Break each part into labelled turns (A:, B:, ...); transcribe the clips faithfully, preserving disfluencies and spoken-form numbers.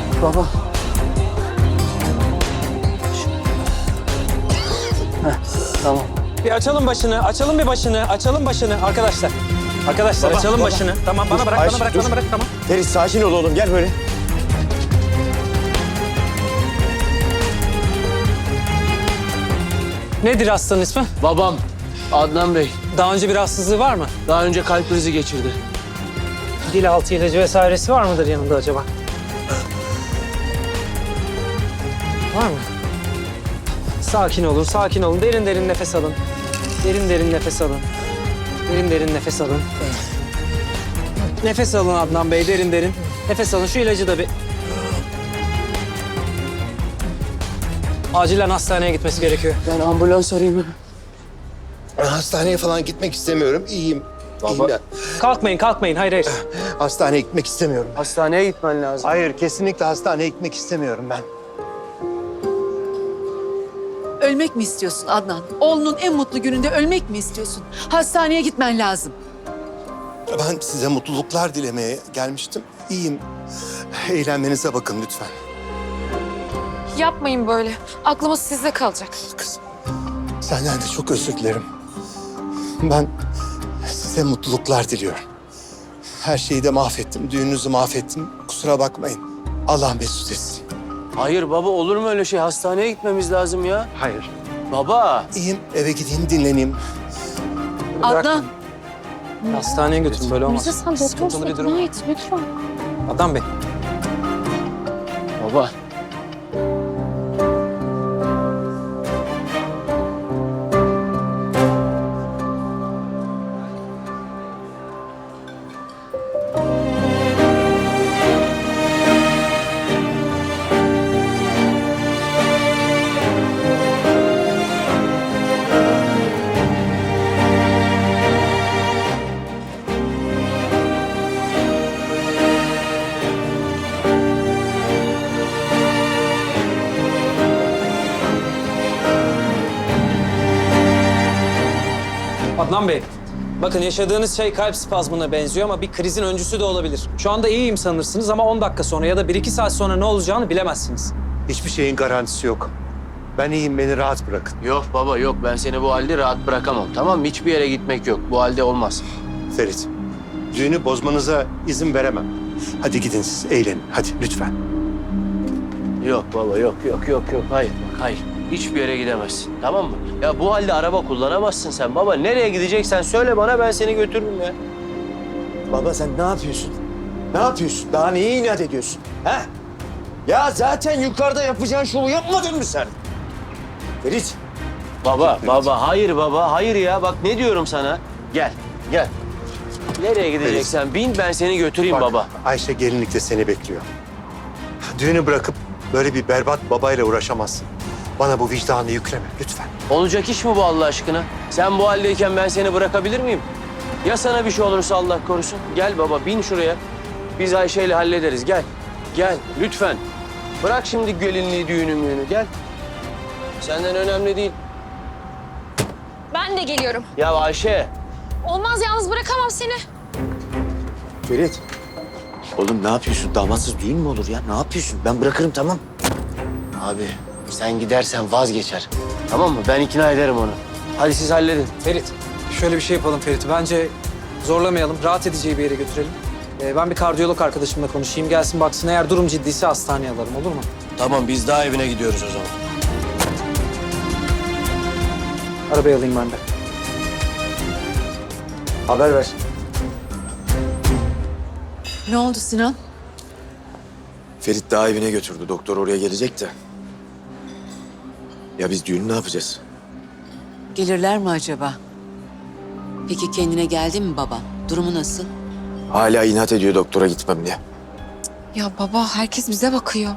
A: Baba. Heh, tamam.
B: Bir açalım başını, açalım bir başını, açalım başını arkadaşlar. Arkadaşlar
C: Baba,
B: açalım
C: baba.
B: başını. Tamam bana
C: Dur,
B: bırak,
C: Ayşe,
B: bana bırak,
C: dur.
B: bana bırak tamam.
C: Ferit sakin ol oğlum, gel böyle.
B: Nedir hastanın ismi?
A: Babam Adnan Bey
B: Daha önce bir rahatsızlığı var mı?
A: daha önce kalp krizi geçirdi.
B: Dil altı ilacı vesairesi var mıdır yanında acaba? Var mı? Sakin olun, sakin olun. Derin derin nefes alın. Derin derin nefes alın. Derin derin nefes alın. Nefes alın Adnan Bey, derin derin. Nefes alın. Şu ilacı da bir... Acilen hastaneye gitmesi gerekiyor.
A: Ben ambulans arayayım mı?
C: Hastaneye falan gitmek istemiyorum, iyiyim. İyiyim ya.
B: Kalkmayın, kalkmayın. Hayır, hayır.
C: Hastaneye gitmek istemiyorum.
A: Hastaneye gitmen lazım.
C: Hayır, kesinlikle hastaneye gitmek istemiyorum ben.
D: Ölmek mi istiyorsun Adnan? Oğlunun en mutlu gününde ölmek mi istiyorsun? Hastaneye gitmen lazım.
C: Ben size mutluluklar dilemeye gelmiştim. İyiyim. Eğlenmenize bakın lütfen.
E: Yapmayın böyle. Aklımız sizde kalacak.
C: Kızım, senden de çok özür dilerim. Ben size mutluluklar diliyorum. Her şeyi de mahvettim, düğününüzü mahvettim. Kusura bakmayın. Allah mesut etsin.
A: Hayır baba, olur mu öyle şey? Hastaneye gitmemiz lazım ya.
C: Hayır.
A: Baba.
C: İyiyim, eve gideyim, dinleneyim.
D: Adnan,
B: Hastaneye götürün, böyle olmaz.
E: Mirza sen
B: Sıkıntılı
E: doktorsun.
B: bir durum.
E: İkna et lütfen.
B: Adnan Bey.
A: Baba.
B: Adnan Bey, bakın yaşadığınız şey kalp spazmına benziyor ama bir krizin öncüsü de olabilir. Şu anda iyiyim sanırsınız ama on dakika sonra ya da bir iki saat sonra ne olacağını bilemezsiniz.
C: Hiçbir şeyin garantisi yok. Ben iyiyim, beni rahat bırakın.
A: Yok baba yok, ben seni bu halde rahat bırakamam. Tamam mı? Hiçbir yere gitmek yok. Bu halde olmaz.
C: Ferit, düğünü bozmanıza izin veremem. Hadi gidin siz, eğlenin. Hadi lütfen.
A: Yok baba yok yok yok yok. Hayır bak hayır. Hiçbir yere gidemezsin. Tamam mı? Ya bu halde araba kullanamazsın sen baba. Nereye gideceksen söyle bana, ben seni götürürüm ya.
F: Baba sen ne yapıyorsun? Ne yapıyorsun? Daha neye inat ediyorsun? He? Ya zaten yukarıda yapacağın şovu yapmadın mı sen? Ferit.
A: Baba baba hayır baba hayır ya. Bak ne diyorum sana. Gel gel. Nereye gideceksen bin, ben seni götüreyim
C: Bak,
A: baba.
C: Ayşe gelinlikte seni bekliyor. Düğünü bırakıp böyle bir berbat babayla uğraşamazsın. Bana bu vicdanı yükleme lütfen.
A: Olacak iş mi bu Allah aşkına? Sen bu haldeyken ben seni bırakabilir miyim? Ya sana bir şey olursa Allah korusun? Gel baba bin şuraya. Biz Ayşe'yle hallederiz. Gel. Gel lütfen. Bırak şimdi gelinliği, düğünü müğünü. Gel. Senden önemli değil.
E: Ben de geliyorum.
A: Ya Ayşe.
E: Olmaz, yalnız bırakamam seni.
F: Ferit. Oğlum ne yapıyorsun? Damatsız düğün mü olur ya? Ne yapıyorsun? Ben bırakırım tamam.
A: Abi sen gidersen vazgeçer. Tamam mı? Ben ikna ederim onu. Hadi siz halledin.
B: Ferit, şöyle bir şey yapalım Ferit. Bence zorlamayalım, rahat edeceği bir yere götürelim. Ee, ben bir kardiyolog arkadaşımla konuşayım. Gelsin baksın, eğer durum ciddiyse hastaneye alalım, olur mu?
A: Tamam biz daha evine gidiyoruz o zaman.
B: Arabayı alayım ben de.
F: Haber ver.
D: ne oldu Sinan?
F: Ferit daha evine götürdü. Doktor oraya gelecek de. Ya biz düğünü ne yapacağız?
D: Gelirler mi acaba? Peki kendine geldi mi baba? Durumu nasıl?
F: Hala inat ediyor doktora gitmem diye.
E: Ya baba, herkes bize bakıyor.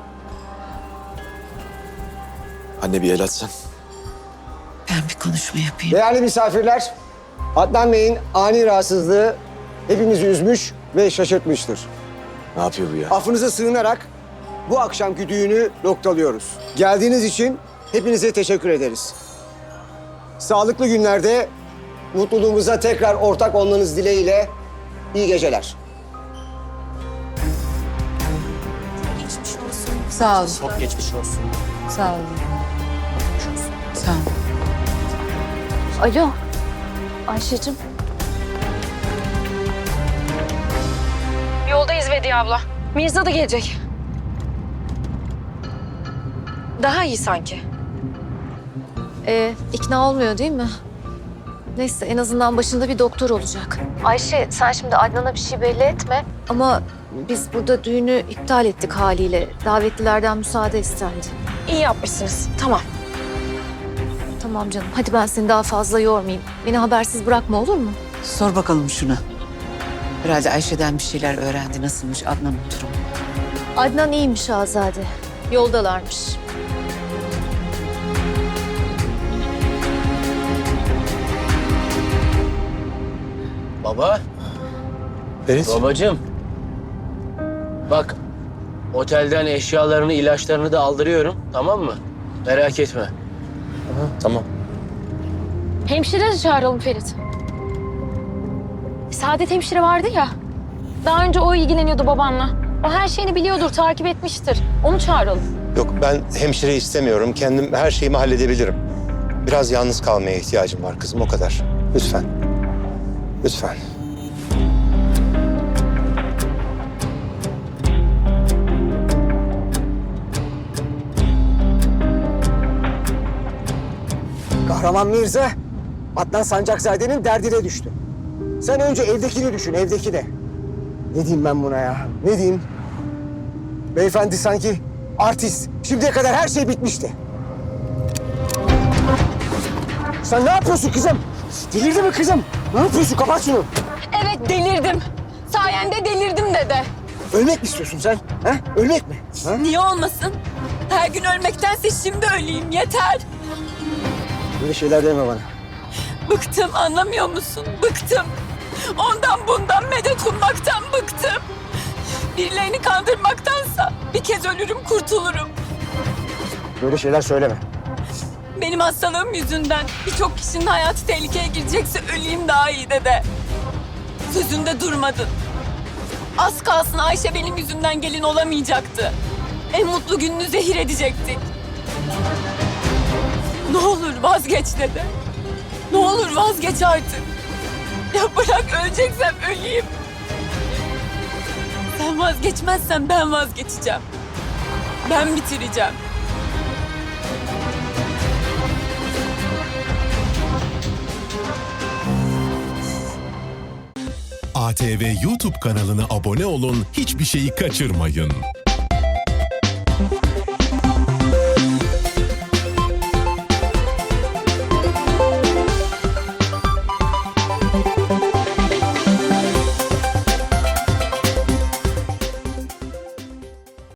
F: Anne bir el atsan.
D: Ben bir konuşma yapayım.
G: Değerli misafirler, Adnan Bey'in ani rahatsızlığı hepimizi üzmüş ve şaşırtmıştır.
F: Ne yapıyor bu ya?
G: Affınıza sığınarak bu akşamki düğünü noktalıyoruz. Geldiğiniz için hepinize teşekkür ederiz. Sağlıklı günlerde mutluluğumuza tekrar ortak olmanız dileğiyle iyi geceler.
E: Geçmiş olsun.
D: Sağ olun.
A: Çok geçmiş olsun.
D: Sağ olun. Sağ olun.
E: Alo. Ayşe'cim. Yoldayız Vediye abla. Mirza da gelecek. Daha iyi sanki.
H: Ee, ikna olmuyor değil mi? Neyse en azından başında bir doktor olacak. Ayşe sen şimdi Adnan'a bir şey belli etme. Ama biz burada düğünü iptal ettik haliyle. Davetlilerden müsaade istendi.
E: İyi yapmışsınız. Tamam.
H: Tamam canım hadi ben seni daha fazla yormayayım. Beni habersiz bırakma olur mu?
D: Sor bakalım şuna. Herhalde Ayşe'den bir şeyler öğrendi. Nasılmış Adnan'ın durumu?
H: Adnan iyiymiş Azade. Yoldalarmış.
A: Baba,
C: Ferit.
A: babacığım. Bak, otelden eşyalarını, ilaçlarını da aldırıyorum, tamam mı? Merak etme.
C: Tamam.
E: Hemşire de çağıralım Ferit. Saadet hemşire vardı ya. Daha önce o ilgileniyordu babanla. O her şeyini biliyordur, takip etmiştir. Onu çağıralım.
C: Yok ben hemşire istemiyorum. Kendim her şeyimi halledebilirim. Biraz yalnız kalmaya ihtiyacım var kızım o kadar. Lütfen. Lütfen.
G: Kahraman Mirza, Adnan Sancakzade'nin derdine düştü. Sen önce evdekini düşün, evdekini. Ne diyeyim ben buna ya? Ne diyeyim? Beyefendi sanki artist. Şimdiye kadar her şey bitmişti. Sen ne yapıyorsun kızım? Delirdi mi kızım? Ne yapıyorsun? Kapat şunu.
E: Evet delirdim. Sayende delirdim dede.
G: Ölmek mi istiyorsun sen? Ha? Ölmek mi? Ha?
I: Niye olmasın? Her gün ölmektense şimdi öleyim yeter.
G: Böyle şeyler deme bana.
I: Bıktım anlamıyor musun? Bıktım. Ondan bundan medet ummaktan bıktım. Birilerini kandırmaktansa bir kez ölürüm kurtulurum.
G: Böyle şeyler söyleme.
I: Benim hastalığım yüzünden birçok kişinin hayatı tehlikeye girecekse öleyim daha iyi dede. Sözünde durmadın. Az kalsın Ayşe benim yüzümden gelin olamayacaktı. En mutlu gününü zehir edecektik. Ne olur vazgeç dede. Ne olur vazgeç artık. Ya bırak öleceksem öleyim. Sen vazgeçmezsen ben vazgeçeceğim. Ben bitireceğim.
J: A T V YouTube kanalına abone olun, hiçbir şeyi kaçırmayın.